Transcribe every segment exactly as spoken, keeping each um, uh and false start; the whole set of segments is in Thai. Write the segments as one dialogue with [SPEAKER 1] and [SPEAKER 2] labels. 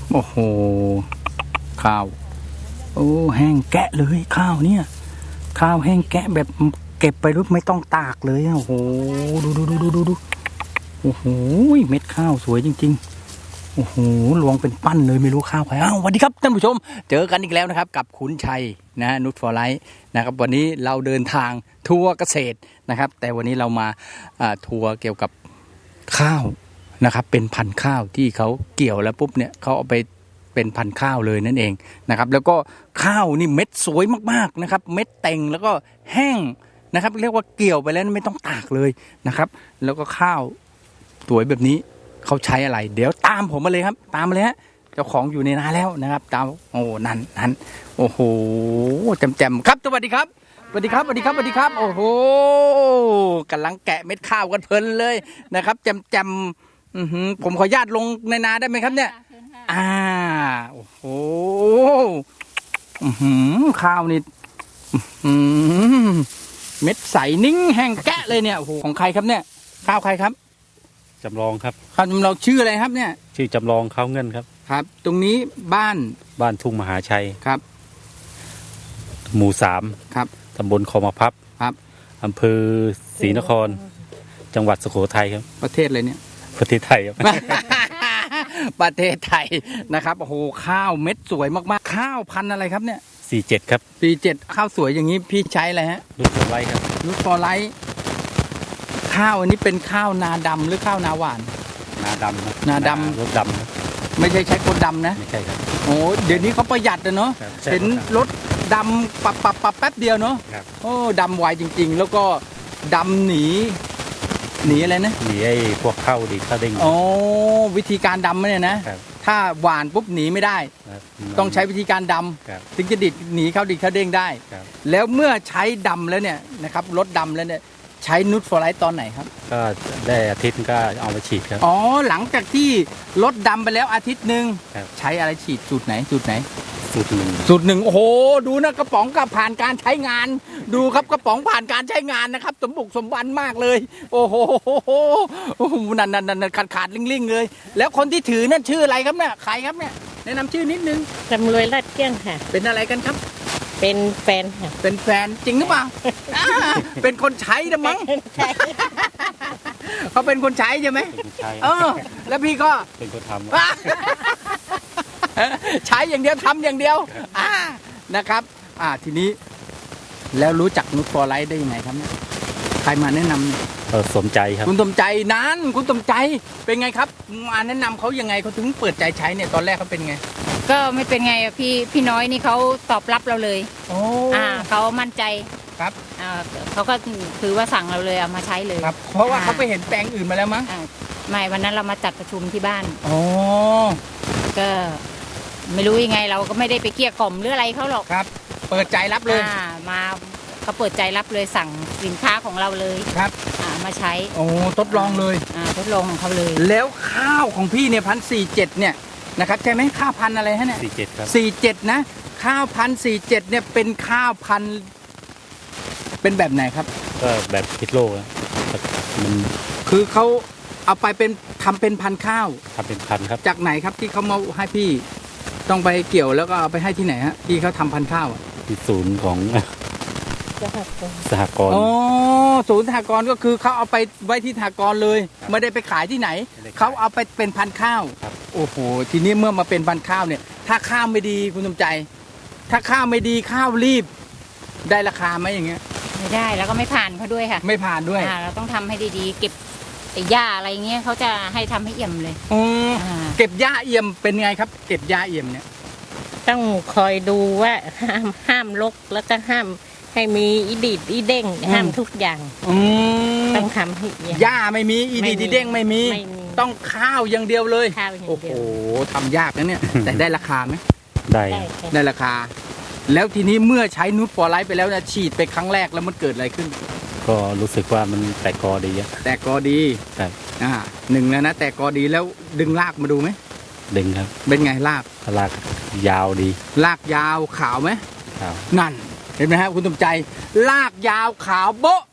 [SPEAKER 1] โอ้โหข้าวโอ้แห้งแกะเลยข้าวเนี่ยข้าวแห้งแกะแบบเก็บไปรุ่ไม่ต้องตากเลยโอ้โหดูดูดูดูดูดูโอ้โหเม็ดข้าวสวยจริงๆโอ้โหลวงเป็นปั้นเลยไม่รู้ข้าวใครอ้าวสวัสดีครับท่านผู้ชมเจอกันอีกแล้วนะครับกับขุนชัยนะนุชฟอร์ไลท์นะครับวันนี้เราเดินทางทัวร์เกษตรนะครับแต่วันนี้เรามาทัวร์เกี่ยวกับข้าวนะครับเป็นพันธุ์ข้าวที่เขาเกี่ยวแล้วปุ๊บเนี่ยเขาเอาไปเป็นพันธุ์ข้าวเลยนั่นเองนะครับแล้วก็ข้าวนี่เม็ดสวยมากๆนะครับเม็ดเต่งแล้วก็แห้งนะครับเรียกว่าเกี่ยวไปแล้วไม่ต้องตากเลยนะครับแล้วก็ข้าวสวยแบบนี้เขาใช้อะไรเดี๋ยวตามผมมาเลยครับตามมาเลยฮะเจ้าของอยู่ในนาแล้วนะครับตามโอ้นั่นนั่นโอ้โหแจ่มๆครับสวัสดีครับสวัสดีครับสวัสดีครับสวัสดีครับโอ้โหกำลังแกะเม็ดข้าวกันเพลินเลยนะครับแจ่มๆผมขออนุญาตลงในนาได้ไหมครับเนี่ยอ่าโอ้โหข้าวนี่เม็ดใสนิ่งแห้งแกะเลยเนี่ยโอ้โหของใครครับเนี่ยข้าวใครครับ
[SPEAKER 2] จำลองครับ
[SPEAKER 1] ข้าวจำลองชื่ออะไรครับเนี่ย
[SPEAKER 2] ชื่อจำลองข้าวเงินครับ
[SPEAKER 1] ครับตรงนี้บ้าน
[SPEAKER 2] บ้านทุ่งมหาชัย
[SPEAKER 1] ครับ
[SPEAKER 2] หมู่สาม
[SPEAKER 1] ครับ
[SPEAKER 2] ตำบลคลองมะพับ
[SPEAKER 1] ครับ
[SPEAKER 2] อำเภอศรีนครจังหวัดสุโขทัยครับ
[SPEAKER 1] ประเทศอะไรเนี่ย
[SPEAKER 2] ประเทศไทยครับ
[SPEAKER 1] ประเทศไทยนะครับโอ้โหข้าวเม็ดสวยมากๆข้าวพันธุ์อะไรครับเนี่ย
[SPEAKER 2] สี่เจ็ดครับ
[SPEAKER 1] สี่เจ็ดข้าวสวยอย่างนี้พี่ใช้อะไรฮะ
[SPEAKER 2] ลูกฟอร์ไลท์ครับ
[SPEAKER 1] ลูกฟอร์ไลท์ข้าวอันนี้เป็นข้าวนาดำหรือข้าวนาหวาน
[SPEAKER 2] นาดำ
[SPEAKER 1] นาดำ
[SPEAKER 2] รถดำครับ
[SPEAKER 1] ไม่ใช่ใช้คนดำนะ
[SPEAKER 2] ไม่ใช่ครับ
[SPEAKER 1] โอ้เดี๋ยวนี้เขาประหยัดนะเนาะเห็นรถดำปับปับปับแป๊บเดียวเนาะโอ้ดำไวจริงๆแล้วก็ดำหนีหนีอะไรนะ
[SPEAKER 2] หนีไอ้พวกเข้าดีเข้าเด้ง
[SPEAKER 1] โอ้วิธีการดำเนี่ยนะถ้าหวานปุ๊บหนีไม่ได้ต้องใช้วิธีการดำถึงจะดิดหนีเข้าดิดเข้าเด้งได้แล้วเมื่อใช้ดำแล้วเนี่ยนะครับรถดำแล้วเนี่ยใช้นูตฟอร์ไลท์ตอนไหนครับ
[SPEAKER 2] ก็ได้อาทิตย์ก็เอามาฉีดครับ
[SPEAKER 1] อ๋อหลังจากที่รถดำไปแล้วอาทิตย์หนึ่งใช้อะไรฉีดสูตรไหนสูตรไหน
[SPEAKER 2] สูตรหนึ่ง
[SPEAKER 1] สูตรหนึ่งโอ้โหดูนะกระป๋องกับผ่านการใช้งานดูครับกระป๋องผ่านการใช้งานนะครับสมบุกสมบันมากเลยโอ้โหนั่นนั่นนั่นขาดขาดลิงลิงเลยแล้วคนที่ถือนั่นชื่ออะไรครับเนี่ยใครครับเนี่ยแนะนำชื่อนิดนึง
[SPEAKER 3] จำรวยลาดเกี้ยงค่ะ
[SPEAKER 1] เป็นอะไรกันครับ
[SPEAKER 3] เป็นแฟนค่ะ
[SPEAKER 1] เป็นแฟนจริงหรือเปล่าเป็นคนใช้นะมั้งเขาเป็นคนใช้ใช่ไหมเออแล้วพี่ก็
[SPEAKER 2] เป็นคนทำ
[SPEAKER 1] ใช้อย่างเดียวทำอย่างเดียวอ่านะครับอ่าทีนี้แล้วรู้จักนูตฟอร์ไลท์ได้ยังไงครับเนี่ยใครมาแนะนำเนี่ย
[SPEAKER 2] เออสมใจครับ
[SPEAKER 1] คุณสมใจนั้นคุณสมใจเป็นไงครับมาแนะนำเขายังไงเขาถึงเปิดใจใช้เนี่ยตอนแรกเขาเป็นไง
[SPEAKER 3] ก็ไม่เป็นไงพี่พี่น้อยนี่เขาตอบรับเราเลย
[SPEAKER 1] โอ้
[SPEAKER 3] อ่าเขามั่นใจ
[SPEAKER 1] ครับ
[SPEAKER 3] อ่าเขาก็ถือว่าสั่งเราเลยเอามาใช้เลย
[SPEAKER 1] ครับเพราะว่าเขาไปเห็นแปลงอื่นมาแล้วมั้ง
[SPEAKER 3] ไม่วันนั้นเรามาจัดประชุมที่บ้าน
[SPEAKER 1] อ๋อ
[SPEAKER 3] ก็ไม่รู้ยังไงเราก็ไม่ได้ไปเกลี้ยกล่อมหรืออะไรเขาหรอก
[SPEAKER 1] ครับเปิดใจรับเลย
[SPEAKER 3] อ่ามาเขาเปิดใจรับเลยสั่งสินค้าของเราเลย
[SPEAKER 1] ครับ
[SPEAKER 3] อ่ามาใช้
[SPEAKER 1] โอ้ทดลองเลย
[SPEAKER 3] อ่าทดลองของเขาเลย
[SPEAKER 1] แล้วข้าวของพี่เนี่ยพันสี่เจ็ดเนี่ยนะครับใช่ไหมข้าวพันอะไรฮะเนี่ย
[SPEAKER 2] สี่เจ็ดครับ
[SPEAKER 1] สี่เจ็ดนะข้าวพันสี่เจ็ดเนี่ยเป็นข้าวพันเป็นแบบไหนครับ
[SPEAKER 2] ก็แบบพิษโลกมัน
[SPEAKER 1] คือเขาเอาไปเป็นทำเป็นพันข้าว
[SPEAKER 2] ทำเป็นพันครับ
[SPEAKER 1] จากไหนครับที่เขามาให้พี่ต้องไปเกี่ยวแล้วก็เอาไปให้ที่ไหนฮะที่เขาทำพันข้าว
[SPEAKER 2] ที่ศูนย์ของสหกรณ์
[SPEAKER 1] อ๋อศูนย์สหกรณ์ก็คือเขาเอาไปไว้ที่สหกรณ์เลยไม่ได้ไปขายที่ไหนเขาเอาไปเป็นพันข้าวโอ้โหทีนี้เมื่อมาเป็นพันข้าวเนี่ยถ้าข้าวไม่ดีคุณสมใจถ้าข้าวไม่ดีข้าวรีบได้ราคาไหมอย่างเงี้ย
[SPEAKER 3] ไม่ได้แล้วก็ไม่ผ่านเขาด้วยค่ะ
[SPEAKER 1] ไม่ผ่านด้วย
[SPEAKER 3] เราต้องทำให้ดีๆเก็บไอ้หญ้าอะไรเงี้ยเขาจะให้ทำให้เอี่ยมเลย
[SPEAKER 1] อ๋อเก็บหญ้าเอี่ยมเป็นไงครับเก็บหญ้าเอี่ยมเนี่ย
[SPEAKER 3] ต้องคอยดูว่าห้ามห้ามรกแล้วก็ห้ามให้มีอีดีดอีเด้งห้ามทุกอย่างต้องทำให้
[SPEAKER 1] หญ้าไม่มีอีดีดอีเด้งไม่มีต้องข้าวอย่างเดียวเลยโอ้โหทำยากนะเนี่ยแต่ได้ราคาไหม
[SPEAKER 2] ได้
[SPEAKER 1] ได้ราคาแล้วทีนี้เมื่อใช้นูตฟอร์ไลท์ไปแล้วนะฉีดไปครั้งแรกแล้วมันเกิดอะไรขึ้น
[SPEAKER 2] ก็รู้สึกว่ามันแตกกอดีอะ
[SPEAKER 1] แตกกอดี
[SPEAKER 2] ครับ
[SPEAKER 1] อ่าหนึ่งแล้วนะแตกกอดีแล้วดึงรากมาดูไหม
[SPEAKER 2] ดึงครับ
[SPEAKER 1] เป็นไงราก
[SPEAKER 2] รากยาวดี
[SPEAKER 1] รากยาวขาวไหม
[SPEAKER 2] ขาว
[SPEAKER 1] นั่นเห็นไหมครับคุณสมใจรากยาวขาวโบ๊ะ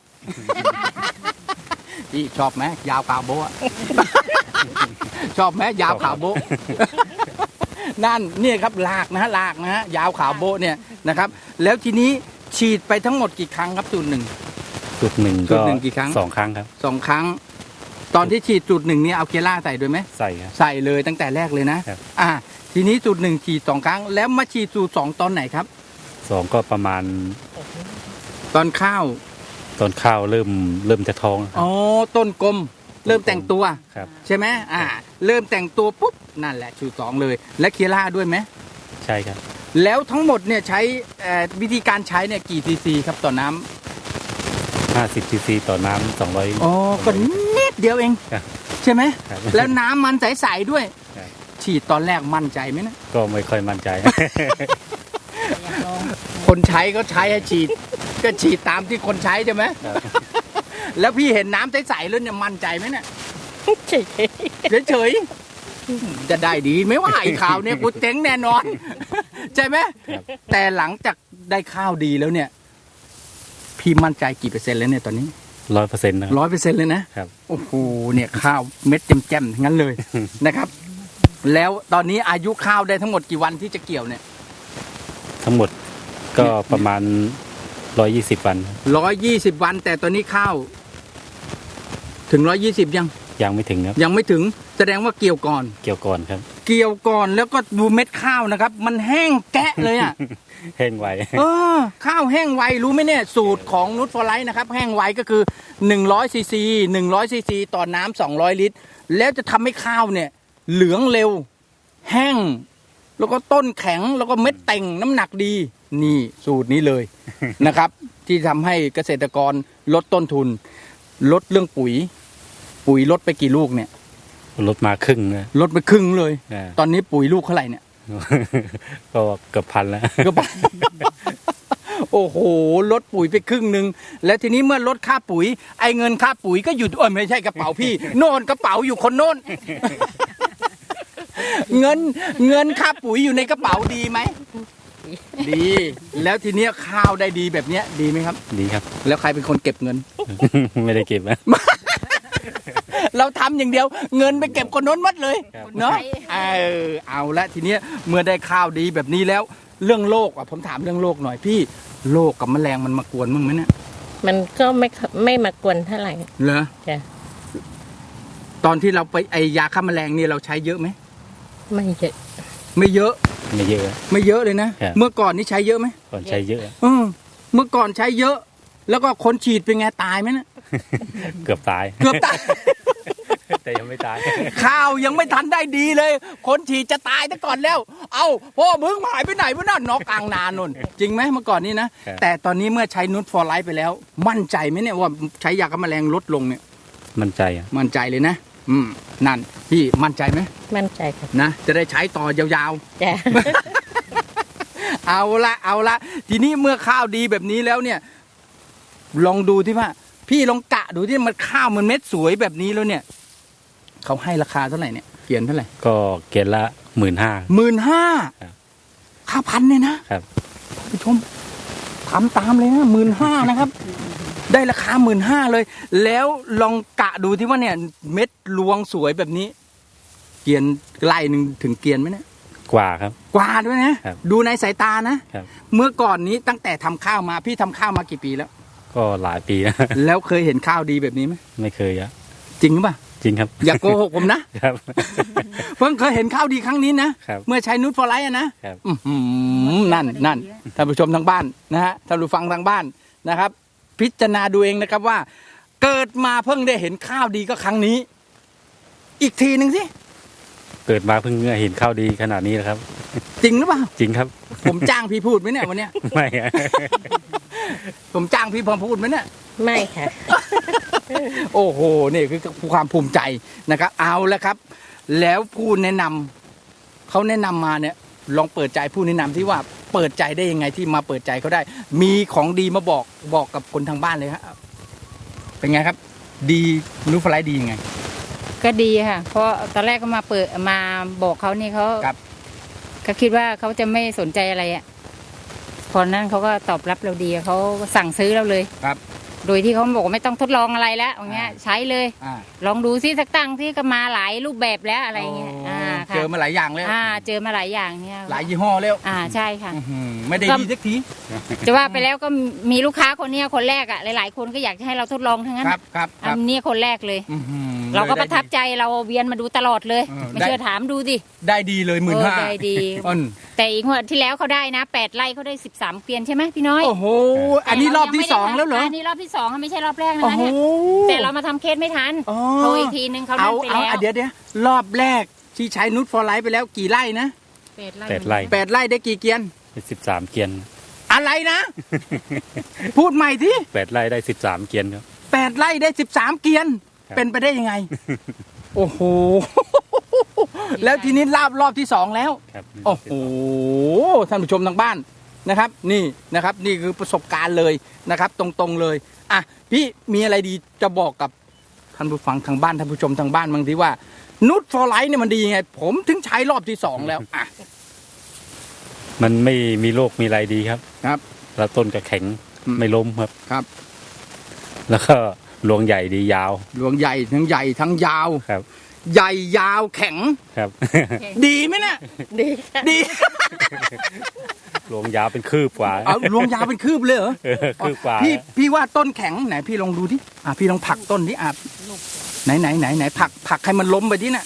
[SPEAKER 1] พี่ชอบไหมยาวขาวโบ๊ะชอบไหมยาวขาวโบ๊ะนั่นเนี่ยครับลากนะฮะลากนะฮะยาวขาวโบะเนี่ยนะครับ แล้วทีนี้ฉีดไปทั้งหมดกี่ครั้งครับสูตรหนึ่ง
[SPEAKER 2] สูตรหนึ่ง
[SPEAKER 1] สู
[SPEAKER 2] ก็
[SPEAKER 1] ตรหนึ่งกี่ครั้ง
[SPEAKER 2] สองครั้งครับ
[SPEAKER 1] สองครั้ง ตอนที่ฉีดสูตรหนึ่งเนี่ยเอาเคียร่าใส่ด้วยไหม
[SPEAKER 2] ใส่ครับ
[SPEAKER 1] ใส่เลยตั้งแต่แรกเลยนะครับ อ่าทีนี้สูตรหนึ่งฉีดสองครั้ง แล้วมาฉีดสูตรสองตอนไหนครับ
[SPEAKER 2] สองก็ประมาณ
[SPEAKER 1] ตอนข้าว
[SPEAKER 2] ตอนข้าวเริ่มเริ่มจะท้องครับ
[SPEAKER 1] อ๋อต้นกลมเริ่มแต่งตัว
[SPEAKER 2] ครับ
[SPEAKER 1] ใช่ไหมอ่า เริ่มแต่งตัวปุ๊บนั่นแหละสูตรสองเลย และเคียร่าด้วยไหม
[SPEAKER 2] ใช่ครับ
[SPEAKER 1] แล้วทั้งหมดเนี่ยใช้เอ่อวิธีการใช้เนี่ยกี่ซีซีครับต่อน้ำ
[SPEAKER 2] ห้าสิบซีซีต่อน้ำสองร้อย
[SPEAKER 1] อ๋อก็นิดเดียวเอง
[SPEAKER 2] ครับ
[SPEAKER 1] ใช่ไหม
[SPEAKER 2] ครับ
[SPEAKER 1] แล้วน้ำมันใสๆด้วย
[SPEAKER 2] ครับ
[SPEAKER 1] ฉีดตอนแรกมั่นใจไหมนะ
[SPEAKER 2] ก็ไม่ค่อยมั่นใจ
[SPEAKER 1] คนใช้ก็ใช้ให้ฉีด ก็ฉีดตามที่คนใช้ใช่ไหม
[SPEAKER 2] ครับ
[SPEAKER 1] แล้วพี่เห็นน้ำใสๆแล้วเนี่ยมั่นใจไหมเนี่ย
[SPEAKER 3] เฉย
[SPEAKER 1] เฉยๆจะได้ดีไหมว่าไอ้ข่าวเนี่ยกูเจ๊งแน่นอน ใช่ไหม
[SPEAKER 2] ครับ
[SPEAKER 1] แต่หลังจากได้ข้าวดีแล้วเนี่ย พี่มั่นใจกี่เปอร์เซ็นต์แล้วเนี่ยตอนนี้
[SPEAKER 2] ร้อยเปอร์เซ็นต์นะครับ
[SPEAKER 1] ร้อยเปอร์เซ็นต์เลยนะครับ โอ้โหเนี่ยข้าวเม็ดแจ่มๆทั้งนั้นเลย นะครับ แล้วตอนนี้อายุข้าวได้ทั้งหมดกี่วันที่จะเกี่ยวเนี่ย
[SPEAKER 2] ทั้งหมดก็ประมาณร้อยยี่สิบวันครับ
[SPEAKER 1] ร้อยยี่สิบวัน แต่ตอนนี้ข้าว ถึงร้อยยี่สิบยัง
[SPEAKER 2] ยังไม่ถึงครับ
[SPEAKER 1] ยังไม่ถึงแสดงว่าเกี่ยวก่อน
[SPEAKER 2] เกี่ยวก่อนครับ
[SPEAKER 1] เกี่ยวก่อนแล้วก็ดูเม็ดข้าวนะครับ มันแห้งแกะเลยอ่ะ
[SPEAKER 2] แห้งไว
[SPEAKER 1] เออข้าวแห้งไวรู้ไหมเนี่ยสูตรของนุชฟอร์ไลท์นะครับ แห้งไวก็คือหนึ่งร้อยซีซีหนึ่งร้อยซีซีต่อน้ำสองร้อยลิตร แล้วจะทำให้ข้าวเนี่ย เหลืองเร็ว แห้ง แล้วก็ต้นแข็งแล้วก็เม็ดเต่งน้ำหนักดี นี่สูตรนี้เลย นะครับ ที่ทำให้เกษตรกรลดต้นทุน ลดเรื่องปุ๋ย ปุ๋ยลดไปกี่ลูกเนี่ย
[SPEAKER 2] ลดมาครึ่งนะ
[SPEAKER 1] ลดไปครึ่งเลย
[SPEAKER 2] อ่า
[SPEAKER 1] ตอนนี้ปุ๋ยลูกเท่าไหร่เนี่ย
[SPEAKER 2] ก็เกือบพันแล้ว
[SPEAKER 1] ก็บอก โอ้โหลดปุ๋ยไปครึ่งหนึ่งแล้วทีนี้เมื่อลดค่าปุ๋ย ไอ้เงินค่าปุ๋ยก็อยู่เออไม่ใช่กระเป๋าพี่ โน่นกระเป๋าอยู่คนโน่น เงินเงินค่าปุ๋ยอยู่ในกระเป๋าดีไหมดี แล้วทีเนี้ยข้าวได้ดีแบบเนี้ยดีไหมครับ
[SPEAKER 2] ดีครับ
[SPEAKER 1] แล้วใครเป็นคนเก็บเงิน
[SPEAKER 2] ไม่ได้เก็บนะ
[SPEAKER 1] เราทำอย่างเดียว เงินไปเก็บคนโน้นหมัดเลย
[SPEAKER 2] ครับ
[SPEAKER 1] เนาะเออเอาละทีเนี้ยเมื่อได้ข้าวดีแบบนี้แล้ว เรื่องโรคอ่ะผมถามเรื่องโรคหน่อยพี่โรคกับแมลงมันมากวนมึงไหมเนี่ย
[SPEAKER 3] ๆมันก็ไม่ไม่มากวนเท่าไหร่
[SPEAKER 1] เหรอ
[SPEAKER 3] จ้ะ
[SPEAKER 1] ตอนที่เราไปไอยาฆ่าแมลงเนี่ยเราใช้เยอะไหม
[SPEAKER 3] ไม่เยอะ
[SPEAKER 1] ไม่เยอะ
[SPEAKER 2] ไม่เยอะ
[SPEAKER 1] ไม่เยอะเลยนะ
[SPEAKER 2] ครับ
[SPEAKER 1] เมื่อก่อนนี่ใช้เยอะไหม
[SPEAKER 2] ก่อนใช้เยอะ
[SPEAKER 1] เออเมื่อก่อนใช้เยอะ แล้วก็คนฉีดเป็นไงตายไหมนะ
[SPEAKER 2] เกือบตาย
[SPEAKER 1] เกือบตาย
[SPEAKER 2] แต่ยังไม่ตาย
[SPEAKER 1] ข้าวยังไม่ทันได้ดีเลย คนฉีดจะตายแต่ก่อนแล้ว เอาพ่อมึงหายไปไหนวะนั่นนอกกลางนานนนจริงไหมเมื่อก่อนนี้นะ
[SPEAKER 2] ครับ
[SPEAKER 1] แต่ตอนนี้เมื่อใช้นูตฟอร์ไลท์ไปแล้ว มั่นใจไหมเนี่ยว่าใช้ยาฆ่าแมลงลดลงเนี่ย
[SPEAKER 2] มั่นใจอ่ะ
[SPEAKER 1] มั่นใจเลยนะ อืมนั่นพี่มั่นใจไหม
[SPEAKER 3] มั่นใจค่ะ
[SPEAKER 1] นะจะได้ใช้ต่อยาว
[SPEAKER 3] จ้ะ
[SPEAKER 1] ๆ เอาละเอาละทีนี้เมื่อข้าวดีแบบนี้แล้วเนี่ย ลองดูที่ว่า พี่ลองกะดูที่มันข้าวมันเม็ดสวยแบบนี้แล้วเนี่ยเขาให้ราคาเท่าไหร่เนี่ยเขียนเท่าไหร่
[SPEAKER 2] ก็เกณฑ์ละหมื่นห้า
[SPEAKER 1] หมื่นห้า
[SPEAKER 2] ครับ
[SPEAKER 1] ข้าวพันเนี่ยนะครับ ท่านผู้ชมทำตามเลยนะหมื่นห้านะครับ ได้ราคาหมื่นห้าเลย แล้วลองกะดูที่ว่าเนี่ย เม็ดรวงสวยแบบนี้ เกียนไล่หนึ่งถึงเกียนไหมเนี่ย
[SPEAKER 2] กว่าครับ
[SPEAKER 1] กว่าด้วยนะครับ ดูในสายตานะ
[SPEAKER 2] ครับ
[SPEAKER 1] เมื่อก่อนนี้ตั้งแต่ทำข้าวมาพี่ทำข้าวมากี่ปีแล้ว
[SPEAKER 2] ก็หลายปีนะ
[SPEAKER 1] แล้วเคยเห็นข้าวดีแบบนี้ไหม
[SPEAKER 2] ไม่เคยอะ
[SPEAKER 1] จริงหรือเปล่า
[SPEAKER 2] จริงครับ
[SPEAKER 1] อย่าโกหกผมนะครับ เพิ่งเคยเห็นข้าวดีครั้งนี้นะครับ เมื่อใช้นูตฟอร์ไลท์อะนะครับ อื้อหือนั่นนั่นท่านผู้ชมทางบ้านนะฮะท่านผู้ฟังทางบ้านนะครับ พิจารณาดูเองนะครับว่า เกิดมาเพิ่งได้เห็นข้าวดีก็ครั้งนี้ อีกทีหนึ่งสิ
[SPEAKER 2] เกิดมาเพิ่งเห็นข้าวดีขนาดนี้นะครับ
[SPEAKER 1] จริงหรือเปล่า
[SPEAKER 2] จริงครับ
[SPEAKER 1] ผมจ้างพี่พูดไหมเนี่ยวันเนี้ย
[SPEAKER 2] ไม่อะ
[SPEAKER 1] ผมจ้างพี่พอพูดไหมเนี่ย
[SPEAKER 3] ไม่ค่ะ
[SPEAKER 1] โอ้โหนี่คือความภูมิใจนะครับ เอาแล้วครับ แล้วผู้แนะนำเขาแนะนำมาเนี่ย ลองเปิดใจผู้แนะนำที่ว่าเปิดใจได้ยังไงที่มาเปิดใจเขาได้ มีของดีมาบอกบอกกับคนทางบ้านเลยครับเป็นไงครับ ดีนูตฟอร์ไลท์ดียังไง
[SPEAKER 4] ก็ดีค่ะ เพราะตอนแรกก็มาเปิดมาบอกเขานี่เขา
[SPEAKER 1] ครับ
[SPEAKER 4] เขาคิดว่าเขาจะไม่สนใจอะไรอ่ะพอนั้นเขาก็ตอบรับเราดีเขาสั่งซื้อเราเลย
[SPEAKER 1] ครับ
[SPEAKER 4] โดยที่เขาบอกว่าไม่ต้องทดลองอะไรแล้วอย่างเงี้ย
[SPEAKER 1] อ่า
[SPEAKER 4] ใช้เลย
[SPEAKER 1] อ่า
[SPEAKER 4] ลองดูซิสักตั้งที่ก็มาหลายรูปแบบแล้วอะไรเงี้ย อ่าค่ะ
[SPEAKER 1] เจอมาหลายอย่างแล้ว
[SPEAKER 4] อ่า เจอมาหลายอย่างเนี่ย
[SPEAKER 1] หลายยี่ห้อแล้ว
[SPEAKER 4] อ่าใช่ค่ะ
[SPEAKER 1] อื้อหือไม่ได้
[SPEAKER 4] ก็
[SPEAKER 1] ดีสักที
[SPEAKER 4] จะว่าไปแล้วก็มีลูกค้าคนเนี้ยคนแรกอ่ะหลายๆคนก็อยากจะให้เราทดลองทั้งนั้น
[SPEAKER 1] ครับครับค
[SPEAKER 4] อั
[SPEAKER 1] รับ
[SPEAKER 4] นนี้คนแรกเลย
[SPEAKER 1] อื้อหือ
[SPEAKER 4] เราก็
[SPEAKER 1] ลย
[SPEAKER 4] ประทับใจเราเวียนมาดูตลอดเลย
[SPEAKER 1] เออ
[SPEAKER 4] ไม่
[SPEAKER 1] ได้
[SPEAKER 4] เชื่อถามดูดิ
[SPEAKER 1] ได้ดีเลยหมื่น
[SPEAKER 4] เออ
[SPEAKER 1] ห้า
[SPEAKER 4] ได้ดี
[SPEAKER 1] อ้น
[SPEAKER 4] แต่อีกงวดที่แล้วเขาได้นะแปดไร่เขาได้สิบสามเกวียนใช่ไหมพี่น้อย
[SPEAKER 1] โอ้โหอันนี้รอบที่สองแล้วเหรอ
[SPEAKER 4] อันนี้รอบที่สองไม่ใช่รอบแรกนะ
[SPEAKER 1] โอ้
[SPEAKER 4] คะ
[SPEAKER 1] โห
[SPEAKER 4] เนี่ยแต่เรามาทำเคสไม่ทัน
[SPEAKER 1] อ๋อ
[SPEAKER 4] โทรอีกทีนึงเขา
[SPEAKER 1] เอา
[SPEAKER 4] นั่นไป
[SPEAKER 1] เอา
[SPEAKER 4] แล้ว
[SPEAKER 1] อ่ะเดี๋ยวเดี๋ยวรอบแรกที่ใช้นุชฟอร์ไลท์ไปแล้วกี่ไร่นะ
[SPEAKER 4] แปดไร่
[SPEAKER 2] แปดไร่
[SPEAKER 1] แปดไร่ได้กี่เกียน
[SPEAKER 2] สิบสามเกียน
[SPEAKER 1] อะไรนะ พูดใหม่ที่
[SPEAKER 2] แปดไร่ได้สิบสามเกียนครับ
[SPEAKER 1] แปดไร่ได้สิบสามเกียน
[SPEAKER 2] ครับ
[SPEAKER 1] เป็นไปได้ยังไง โอ้โห แล้วทีนี้รอบรอบที่สองแล้ว
[SPEAKER 2] ครับ
[SPEAKER 1] โอ้โหท่านผู้ชมทางบ้านนะครับ นี่นะครับ นี่คือประสบการณ์เลยนะครับ ตรงๆเลยอ่ะพี่มีอะไรดีจะบอกกับท่านผู้ฟังทางบ้านท่านผู้ชมทางบ้านบางทีว่านุชฟอร์ไลท์เนี่ยมันดียังไง ผมถึงใช้รอบที่สองแล้วอ่ะ
[SPEAKER 2] มันไม่มีโรคมีอะไรดีครับ
[SPEAKER 1] ครับ
[SPEAKER 2] แล้วต้นก็แข็ง
[SPEAKER 1] อืม
[SPEAKER 2] ไม่ล้มครับ
[SPEAKER 1] ครับ
[SPEAKER 2] แล้วก็รวงใหญ่ดียาว
[SPEAKER 1] รวงใหญ่ทั้งใหญ่ทั้งยาว
[SPEAKER 2] ครับ
[SPEAKER 1] ใหญ่ยาวแข็ง
[SPEAKER 2] ครับ
[SPEAKER 1] ดีไหมเนี่ย
[SPEAKER 3] ดีค่ะ
[SPEAKER 1] ดี
[SPEAKER 2] รวงยาวเป็นคืบกว่า
[SPEAKER 1] เอารวงยาวเป็นคืบเลยเหรอ
[SPEAKER 2] เออคืบกว่า
[SPEAKER 1] พี่พี่ว่าต้นแข็งไหนพี่ลองดูที่อ่ะพี่ลองผลักต้นที่อ่ะไหนไหนไหนไหนผลักผลักให้มันล้มไปที่น่ะ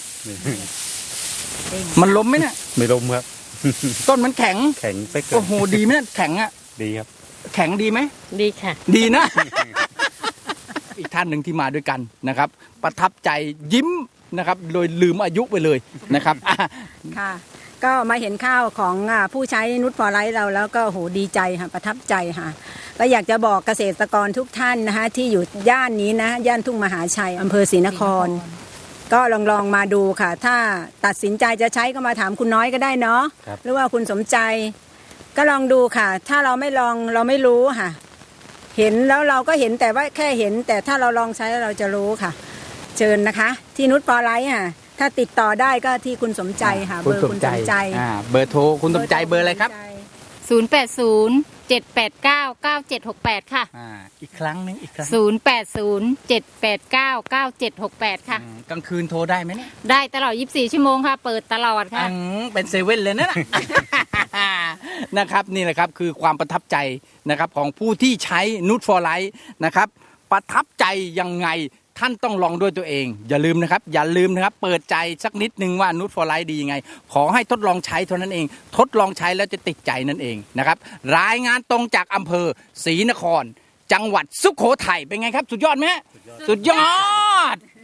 [SPEAKER 1] มันล้มไหมเนี่ย
[SPEAKER 2] ไม่ล้มครับ
[SPEAKER 1] ต้นมันแข็ง
[SPEAKER 2] แข็งเป๊กเล
[SPEAKER 1] โอ้
[SPEAKER 2] ย
[SPEAKER 1] โหดีไหมเนี่ยแข็งอ่ะ
[SPEAKER 2] ดีครับ
[SPEAKER 1] แข็งดีไหม
[SPEAKER 3] ดีค่ะ
[SPEAKER 1] ดีนะ อีกท่านหนึ่งที่มาด้วยกันนะครับ ประทับใจยิ้มนะครับ โดยลืมอายุไปเลยนะครับอ่ะ
[SPEAKER 5] ค่ะ ก็มาเห็นข้าวของอ่าผู้ใช้นุชฟอร์ไลท์เราแล้วก็โหดีใจค่ะประทับใจค่ะก็อยากจะบอกเกษตรกรทุกท่านนะคะที่อยู่ย่านนี้นะย่านทุ่งมหาชัยอำเภอศรีนคร ก็ลองลองมาดูค่ะ ถ้าตัดสินใจจะใช้ก็มาถามคุณน้อยก็ได้เนาะ
[SPEAKER 2] ครับ
[SPEAKER 5] หรือว่าคุณสมใจ ก็ลองดูค่ะ ถ้าเราไม่ลองเราไม่รู้ค่ะ เห็นแล้วเราก็เห็นแต่ว่าแค่เห็น แต่ถ้าเราลองใช้แล้วเราจะรู้ค่ะ เชิญนะคะ ที่นุชฟอร์ไลท์ค่ะถ้าติดต่อได้ก็ที่คุณสมใจค่ะเบอร์คุณสมใจ
[SPEAKER 1] อ่าเบอร์โทรคุณสมใจเบอร์อะไรครับ
[SPEAKER 4] ศูนย์แปดศูนย์เจ็ดแปดเก้าเก้าเจ็ดหกแปดค่ะ
[SPEAKER 1] อ่าอีกครั้งหนึงอีกครั้ง
[SPEAKER 4] ศูนย์แปดศูนย์เจ็ดแปดเก้าเก้าเจ็ดหกแปดค่ะ
[SPEAKER 1] อืมกลางคืนโทรได้ไหมเนี่ย
[SPEAKER 4] ได้ตลอดยี่สิบสี่ชั่วโมงค่ะ เปิดตลอดค่ะ
[SPEAKER 1] อืมเป็นเซเว่นเลยนะน่ะ นะครับนี่แหละครับคือความประทับใจนะครับของผู้ที่ใช้นุชฟอร์ไลท์นะครับประทับใจยังไงท่านต้องลองด้วยตัวเอง อย่าลืมนะครับ อย่าลืมนะครับ เปิดใจสักนิดนึงว่านุชฟอร์ไลท์ดียังไง ขอให้ทดลองใช้เท่านั้นเอง ทดลองใช้แล้วจะติดใจนั่นเองนะครับรายงานตรงจากอำเภอศรีนคร จังหวัดสุโขทัยเป็นไงครับ สุดยอดไหมฮะสุดยอด